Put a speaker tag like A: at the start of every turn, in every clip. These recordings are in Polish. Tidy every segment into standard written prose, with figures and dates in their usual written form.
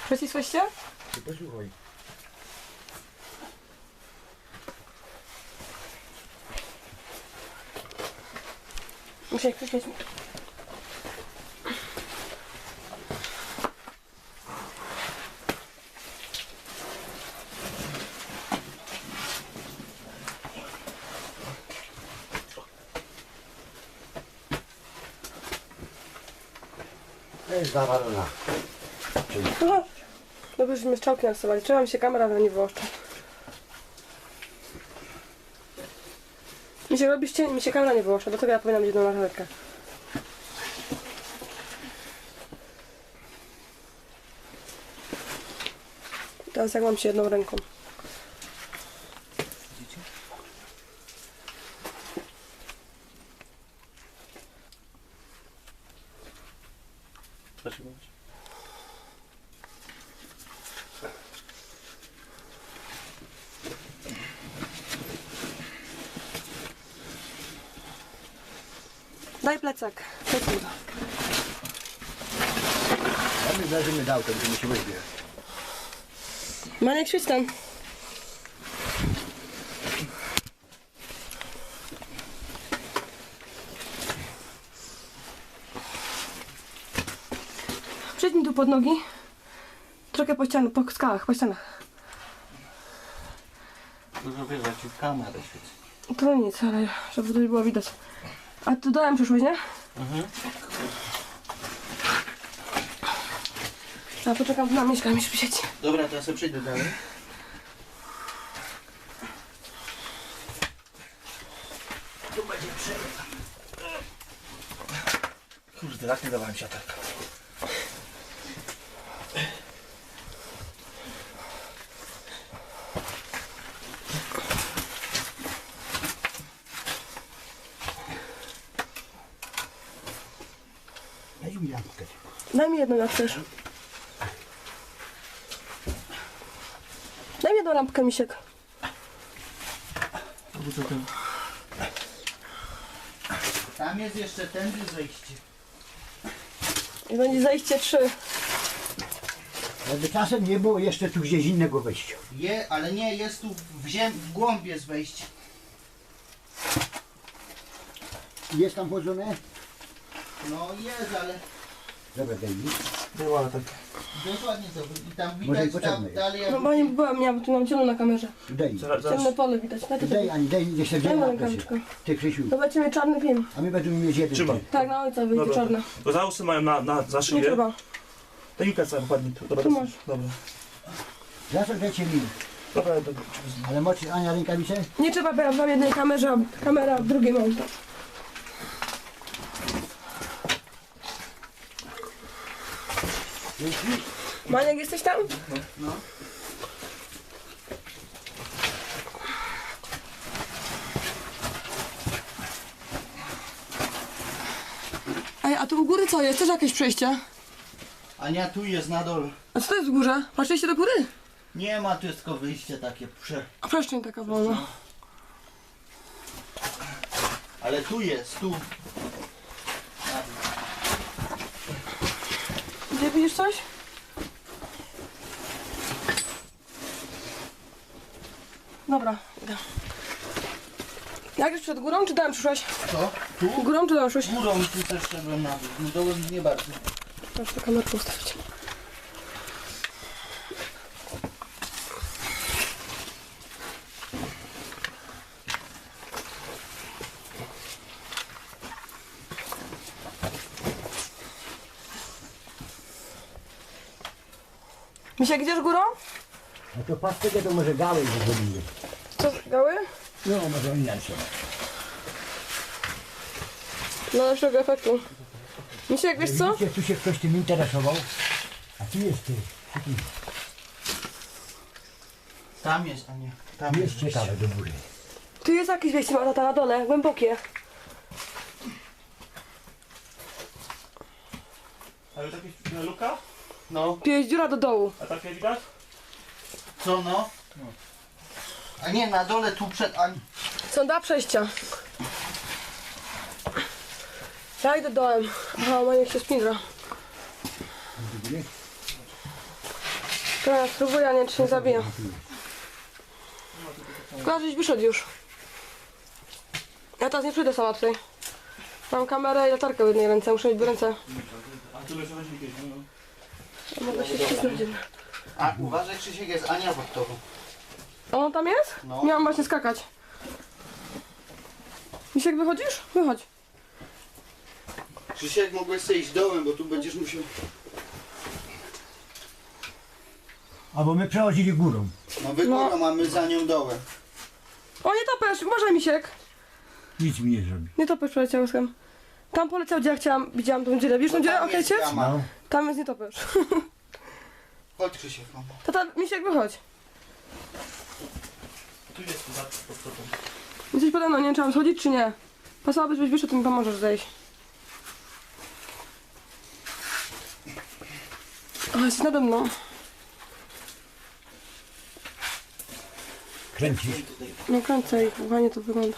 A: Przycisłeście?
B: Ty posłuchaj.
A: Muszę krzyczeć.
B: To jest zawalona.
A: No, dobrze, żeśmy strzałki narysowali. Trzeba mi się kamera na nie wyłącza. Mi się robi cień, mi się kamera nie wyłącza, dlatego ja powinnam mieć jedną marchewkę. Teraz jak mam się jedną ręką. Daj plecak. Plecak.
B: A my zdarzymy dał, to będziemy się wyzbierać.
A: Maniek, świeć tam. Przejdź mi tu pod nogi. Trochę po ścianach, po skałach, po ścianach.
C: Dużo wiele ci w kamerę świeci.
A: To nic, ale żeby to było widać. A tu dołem przyszłeś, nie? A poczekam na Mieszka, mi świeci.
C: Dobra, to ja sobie przejdę dalej. Tu będzie przejdę. Kurde, tak nie dawałem siatarka.
B: Daj mi lampkę.
A: Daj mi jedną, jak chcesz. Daj mi jedną lampkę, Misiek.
C: Tam jest jeszcze tędy zejście.
A: I będzie zajście 3.
B: Jakby czasem nie było jeszcze tu gdzieś innego wejścia.
C: Ale nie, jest tu w głąb jest wejście.
B: Jest tam wchodzone?
C: No jest, ale
B: Dobra, daj mi.
C: była tak. Dokładnie to. I tam
B: Może i
C: widać
B: potrzebne
C: tam
B: jest.
C: dalej.
A: No bo nie byłam, miałam tu mam ciemno na kamerze.
B: Daj mi.
A: Ciemne pole widać. Daj to
B: Daj, Ani, daj mi jeszcze
A: Daj
B: dwie
A: mu
B: lampy.
A: rękawiczkę.
B: Ty, Krzysiu.
A: To będziemy mieć czarny film.
B: A my będziemy mieć jeden.
D: Trzymaj.
B: ty.
A: Tak, na ojca wyjdzie
D: Dobra.
A: czarne.
D: Bo zausy mają za
A: Nie
D: szyję.
A: trzeba.
D: Technika cała ładnie tu. Dobra,
A: Tu masz.
D: dobra.
B: Zawsze dajcie mi.
D: Dobra, dobra.
B: Ale moczy Ania rękawice?
A: Nie trzeba, bo ja w jednej kamerze, a kamera w drugiej mam. Maniek, jesteś tam?
C: No.
A: Ej, a tu u góry co jest? Też jakieś przejście?
C: Ania, tu jest na dole.
A: A co to jest w górze? Patrzyliście do góry?
C: Nie ma, tu jest tylko wyjście takie
A: A przestrzeń taka wolna.
C: Ale tu jest, tu.
A: Gdzie widzisz coś? Dobra, idę. Jak już przed górą, czy dołem przyszłaś?
C: Co? Tu?
A: Górą czy dołem przyszłaś?
C: Górą tu też szedłem na dół. No dołem nie bardzo.
A: Proszę tę kamerkę ustawić. Misiek, idziesz górą?
B: No to patrz tego, to może gałę zrobimy.
A: Co, gały?
B: No, może inaczej.
A: No lepszego efektu. Misiek, wiesz co?
B: Widzicie, tu się ktoś tym interesował. A tu jest ty.
C: Tam jest, a nie. Tam
B: Tu
C: jest
B: jest ciekawe do góry.
A: Tu jest jakieś wejście, ma tata na dole, głębokie.
D: Ale taka luka?
C: No,
A: Tu jest dziura do dołu.
D: A takie widać?
C: co no? A nie, na dole tu przed... A...
A: Są dwa przejścia. Ja idę dołem. Aha, ma niech się spindra. Dobra, spróbuję, a nie, czy się nie zabiję. Tylko żeś wyszedł już. Ja teraz nie przyjdę sama tutaj. Mam kamerę i latarkę w jednej ręce, muszę mieć w ręce.
D: A tu leży jakieś, no.
A: Mogę się ścisnąć.
C: A uważaj, Krzysiek, jest Ania pod tobą.
A: A on tam jest?
C: No.
A: Miałam właśnie skakać. Misiek, wychodzisz? Wychodź.
C: Krzysiek, mogłeś sobie iść dołem, bo tu będziesz musiał...
B: Albo my przechodzili górą.
C: No wygórą, a my za nią dołem.
A: O, nie topesz! Może Misiek!
B: Nic mi nie zrobi.
A: Nie topesz przeleciał łyskiem. Tam poleciał, gdzie ja chciałam, widziałam tą dziurę. Widzisz tą dziurę,
C: Tam
A: okej,
C: jest
A: ciec?
C: jama.
B: No.
A: Tam jest nie topesz.
C: Chodź, Krzysiek. No.
A: Tata, Misiek, wychodź.
D: Tu jest pod stopą.
A: Jesteś pode mną, nie wiem, czy mam schodzić, czy nie. Pasowałabyś, żebyś wyszedł, to mi pomożesz zejść. O, jesteś nade mną.
B: Kręcisz.
A: No kręcę i kochanie to wygląda.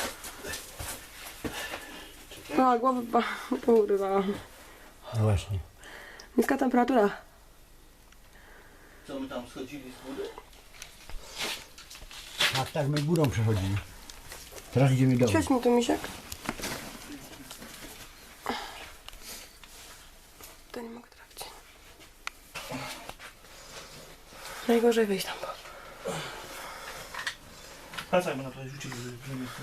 A: A, głowa urywałam.
B: No właśnie.
A: Niska temperatura.
C: Co my tam schodzili z góry?
B: Tak, my górą przechodzili. Teraz idziemy dołem.
A: Świeć mi tu, Misiek. To nie mogę trafić. Najgorzej wyjść tam.
D: Wracajmy na to, rzucili, że nie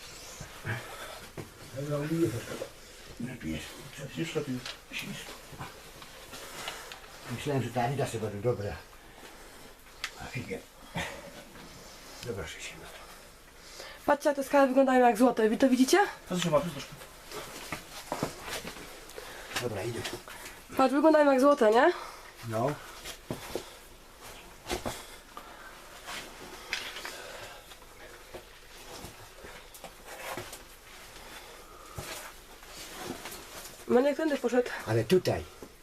B: Lepiej.
D: Już lepiej.
B: Myślałem, że ta Anita sobie będzie dobra. A figę. Dobra, się.
A: Patrzcie, jak te skały wyglądają jak złote. Wy to widzicie?
D: Co się ma? Troszkę.
B: Dobra, idę.
A: Patrz, wyglądają jak złote, nie?
B: No.
A: Maniek tędy poszedł.
B: Ale tutaj.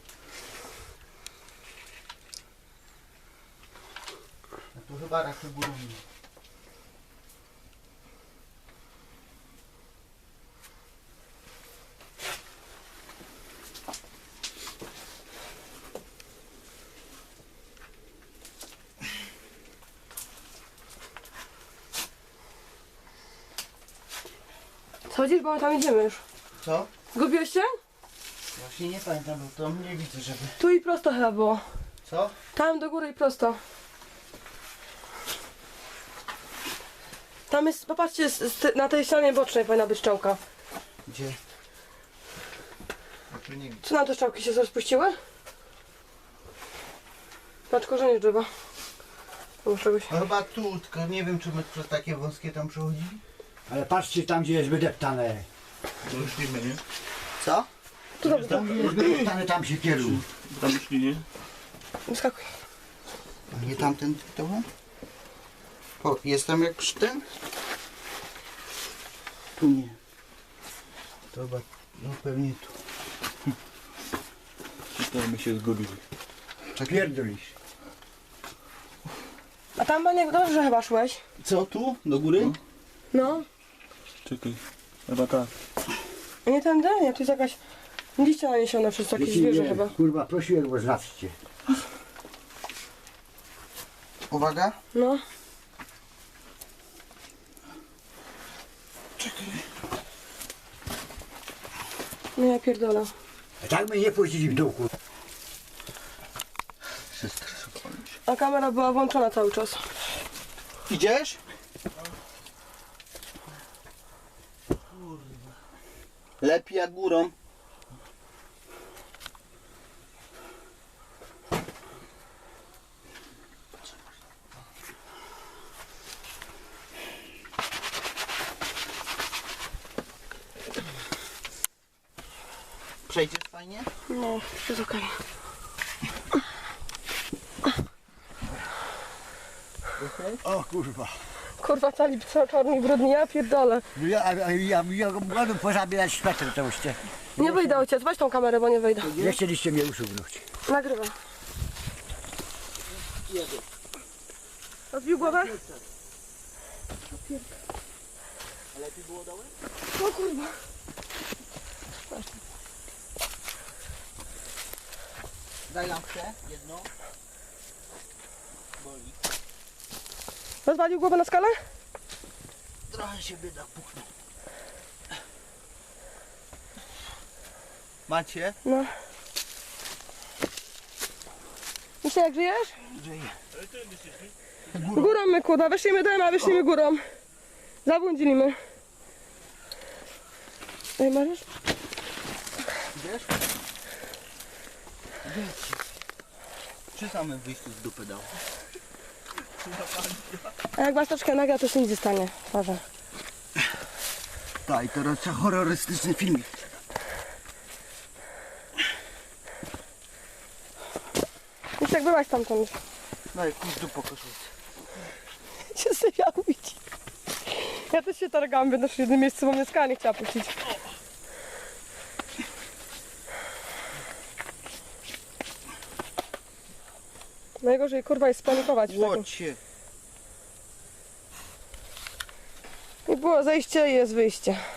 C: A tu chyba raczej górą nie.
A: Schodzisz, bo my tam idziemy już.
C: Co?
A: Zgubiłeś się?
C: Właśnie nie pamiętam, bo to nie widzę, żeby...
A: Tu i prosto chyba było.
C: Co?
A: Tam do góry i prosto. Tam jest, popatrzcie, na tej ścianie bocznej powinna być szczałka.
C: Gdzie? Ja tu nie widzę.
A: Co nam te szczałki się rozpuściły? Patrz, korzenie drzewa. Albo czegoś.
C: No chyba tu, tylko nie wiem, czy my przez takie wąskie tam przechodzili.
B: Ale patrzcie tam, gdzie jest wydeptane.
D: To już nie nie?
C: Co?
A: Tu dobrze,
B: Tam, gdzie jest wydeptane, tam się kieruj.
D: Tam już nie?
A: wyskakuj.
C: A nie tamten dołem? Jest tam jak przy tym? Tu nie. To chyba, no pewnie tu.
D: To my się zgubili.
B: Pierdolisz.
A: A tam Maniek dobrze chyba szłeś.
C: Co tu? Do góry?
A: No.
D: Czekaj. Chyba tak.
A: A nie tędy? Nie, tu jest jakaś liście naniesione przez jakieś zwierzę
B: Nie,
A: chyba.
B: kurwa, prosiłem, bo znaczcie.
C: Uwaga.
A: No. No ja pierdolę.
B: A tak my nie pójdziemy w dół, kurwa.
A: A kamera była włączona cały czas.
C: Idziesz? Lepiej jak górą. Przejdziesz fajnie?
A: No, jest okej.
B: O kurwa.
A: Kurwa, cali czarni brudni, ja pierdolę.
B: No ja mogę pozabierać szpeter to już.
A: Nie wyjdę, ojciec, weź tą kamerę, bo nie wyjdę.
B: Nie chcieliście mnie usuwnąć.
A: Nagrywa. Odbił głowę?
C: Lepiej było dołem?
A: O kurwa.
C: Daj lampkę, jedną.
A: Rozwalił głowę na skalę?
C: Trochę się bieda puchnął. Macie?
A: No. Myślę, jak żyjesz?
C: Żyje.
A: Górą my kurwa, wyszliśmy dołem, a wyszliśmy górą. Zabłądziliśmy. Ej, możesz?
C: Wiesz? Wiecie. Przy samym wyjściu z dupy dał.
A: A jak masz troszkę naga, to się nic nie stanie. Uważaj.
C: Tak, i teraz trzeba horrorystyczny filmik.
A: Już jak byłaś tamtąd.
C: No i pójdź do pokoju.
A: Cię sobie ja ubić. Ja też się targałam, będę w jednym miejscu, bo mnie skala nie chciała puścić. Najgorzej kurwa jest spanikować w takim.
C: Łocie.
A: I było zejście i jest wyjście.